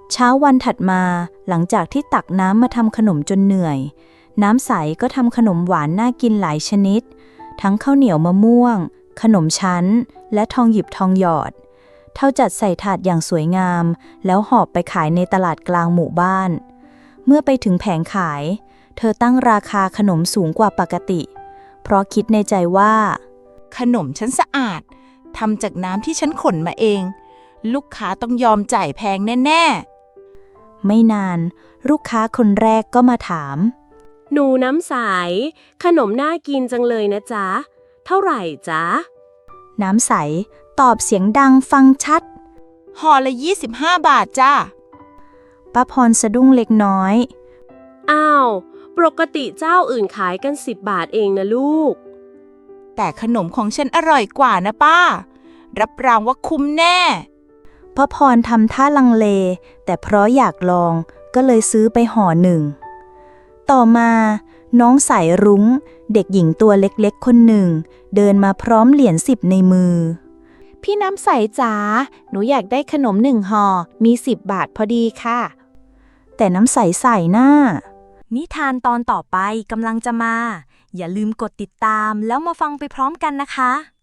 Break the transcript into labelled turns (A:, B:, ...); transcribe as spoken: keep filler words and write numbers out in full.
A: เช้าวันถัดมาหลังจากที่ตักน้ำมาทำขนมจนเหนื่อยน้ำใสก็ทำขนมหวานน่ากินหลายชนิดทั้งข้าวเหนียวมะม่วงขนมชั้นและทองหยิบทองหยอดเท่าจัดใส่ถาดอย่างสวยงามแล้วหอบไปขายในตลาดกลางหมู่บ้านเมื่อไปถึงแผงขายเธอตั้งราคาขนมสูงกว่าปกติเพราะคิดในใจว่า
B: ขนมฉันสะอาดทำจากน้ำที่ฉันขนมาเองลูกค้าต้องยอมจ่ายแพงแน่
A: ๆไม่นานลูกค้าคนแรกก็มาถาม
C: หนูน้ำใสขนมน่ากินจังเลยนะจ๊ะเท่าไหร่จ๊ะ
A: น้ำใสตอบเสียงดังฟังชัด
B: ห่อละยี่สิบห้าบาทจ้า
A: ป้าพรสะดุ้งเล็กน้อย
C: อ้าวปกติเจ้าอื่นขายกันสิบบาทเองนะลูก
B: แต่ขนมของฉันอร่อยกว่านะป้ารับรองว่าคุ้มแน่
A: ป้าพรทำท่าลังเลแต่เพราะอยากลองก็เลยซื้อไปห่อหนึ่งต่อมาน้องสายรุ้งเด็กหญิงตัวเล็กๆคนหนึ่งเดินมาพร้อมเหรียญสิบในมือ
D: พี่น้ำใสจ๋าหนูอยากได้ขนมหนึ่งห่อมีสิบบาทพอดีค่ะ
A: แต่น้ำใสใส่หน้า
E: นิทานตอนต่อไปกำลังจะมาอย่าลืมกดติดตามแล้วมาฟังไปพร้อมกันนะคะ